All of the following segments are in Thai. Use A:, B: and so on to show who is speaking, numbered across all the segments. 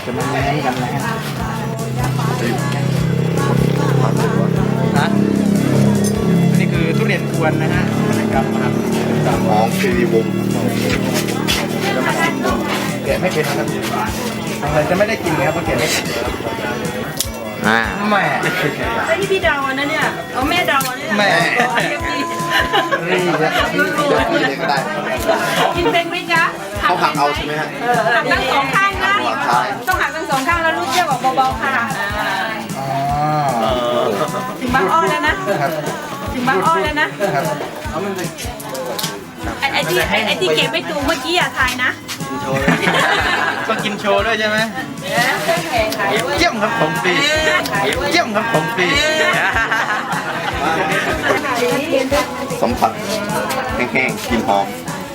A: จะมาแย่งกันนะฮะนี่คือทุเรียนกวนนะฮะนะครับ
B: ของคีรีวงศ์
A: แกะไม่เป็นนะครับอะไรจะไม่ได้กินเลยครับเพราะแกะไม่เป็นแม่
C: ไอ้ที่พี่เดาอันนั้นเนี่ยเอาแม่เดาอันนี้
A: แม่
C: นี่
A: นี่ครับ
B: เดี๋ยวคุยเลยก็ได้
C: กินเป็นไหมจ๊ะ
B: เขาหักเอาใช่ไหมฮะ
C: หักทั้งสองข้างนะต้องหักทั้งสองข้างแล้วลูกเชือกออกเบาๆค่ะ
A: อ๋อ
C: ถึงบางอ้อแล้วนะครับ ถึงบางอ้อแล้วนะครับ ไอ้ที่เก็บไม่ถูกเมื่อกี้อย่าทายนะ
A: ต้องกินโชว์ด้วยใช่ไหมเยี่ยมครับผมปีเยี่ยมครับผมปี
B: สัมผัสแห้งๆกลิ่นหอม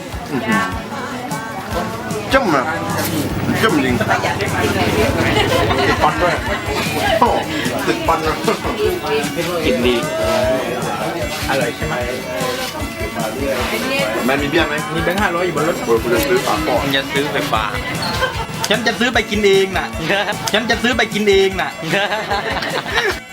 B: จ้ำนะจ้ำจริงติดปันด้วยโอ้ติดปันนะ
A: กินดีอร่อยใช่ไหม
B: แม่มีเบี้ยไหม
A: มีแบงค์500อยู่บนรถ
B: คุณจะซื้อฝากก่อน
A: ฉันจะซื้อไปฝากฉันจะซื้อไปกินเองน่ะฉันจะซื้อไปกินเองน่ะ